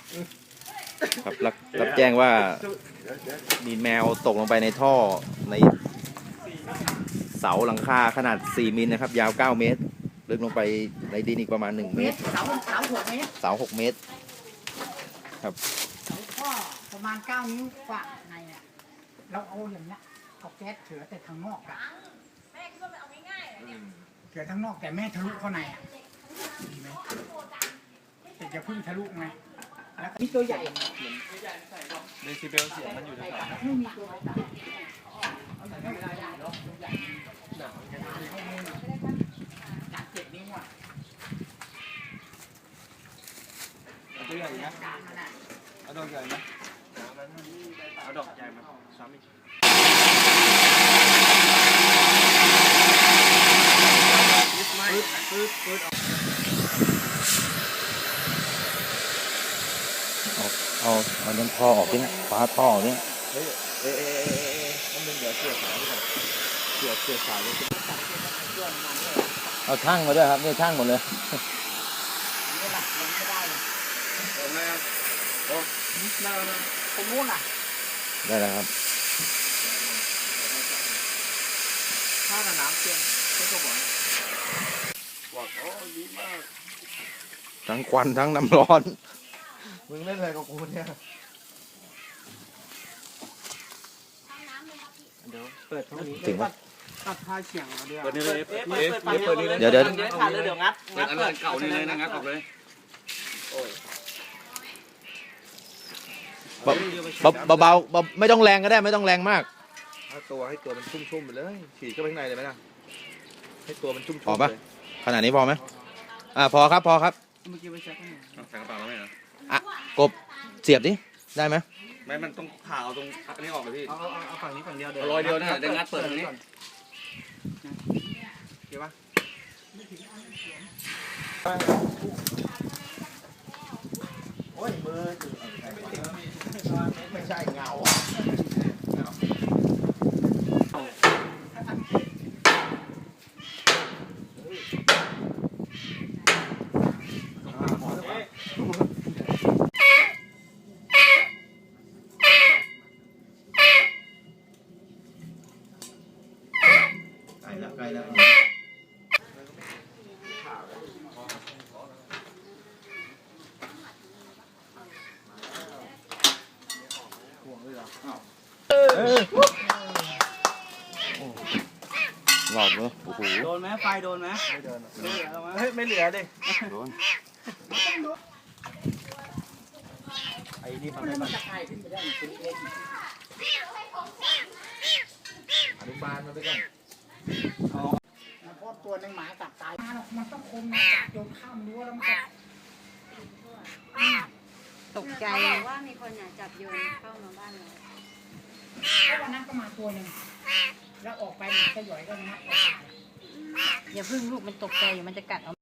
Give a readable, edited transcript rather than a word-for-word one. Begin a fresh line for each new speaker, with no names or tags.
ครับรับแจ้งว่ามีแมวตกลงไปในท่อในเสาหลังคาขนาด4มิลนะครับยาว9เมตรลึกลงไปในดินอีกประมาณ1เมตร
เสา6 เมตร
เสา6 เมตรครับ
เสาก็ประมาณ9 นิ้วกว่าในเนี่ยเราเอาอย่างเนี้ยเอาแก๊สเถือแต่ทางนอกอะแม่คิดว่ามันเอาง่ายๆเนี่ยเถือทางนอกแต่แม่ทะลุเข้าในอะดีไหมแต่จะพึ่งทะลุไงแล้วมีตัวใหญ่
เดซิเบลเสียงมันอยู่แถวๆ
ไม่มีตัวใหญ่จาก7 นิ้วอ่ะ
เอาตัวใหญ่นะเอาดอกใหญ่ไหมเอาดอกใหญ่มาซ้ำอีกปืด
เอาน้ำท่อออกนี่ฟ้าท่อออกนี่
มันเป็นเดี๋ยวเกี่ยวขาด้วยเกี่ยวขาด้วย
เอาช่างมาด้วยครับนี่ช่างหมดเลย
นี่แหละมันไม่ได้เลย
โอ้น่ารัก
ผมนู้นอ่ะ
ได้แล้วครับ
ถ้ากับน้ำเพียงก็บอกโอ้ดีมาก
ทั้งควันทั้งน้ำร้อน
มึงเล่นอะไรกับกูเนี่ยเดี๋ยวเปิดเท่านี้
จริงปะ
ตัดท่าเฉียงเดี๋ยวเปิดนี่เลย
เดี๋ยว
ขาดเลยเดี๋ยวงัดอันเก่านี่เลยนะงัดออกเลย
เบาๆไม่ต้องแรงก็ได้ไม่ต้องแรงมาก
ให้ตัวมันชุ่มๆไปเลยฉีดเข้าไปข้างในเลยไหมล่ะให้ตัวมันชุ่มๆ
พอปะขนาดนี้พอไหมพอครับ
เมื่อกี้ไปเช็คให้ใส่กระเป๋าแล้วไหมเหร
อกบเสียบดิได้ไหม
ไม่มันต้องผ่าเอาตรงอันนี้ออกเลยพี่เอาฝั่งนี้ฝั่งเดียวเดี๋ยวรอยเดียวนะเดี๋ยวงัดเปิดตรงนี้เกี่ยวปะโอ้ยมือไม่ใช่เงา
ใกล้แล้วหลอดเลยโอ้โห
โดนไหมไฟโดนไหมไม่โดนไม่เหลือดิ
โดน
ไอ้นี่มัน
จะคลายขึ้นไปได้เป็นเล็ก
อนุบาลมันไปก่อน
เพราะตัวนึงหมากัดตายมันต้องคมนะจับโยนข้ามรั้วแล้วมัน
ตกใจว่ามีคนอยากจับโยนเข้ามาบ้านเรา
เพราะวันนั้นก็มาตัวหนึ่งแล้วออกไปมันก็หย่อยก็งัด
อย่าพึ่งลูกมันตกใจมันจะกัดเอา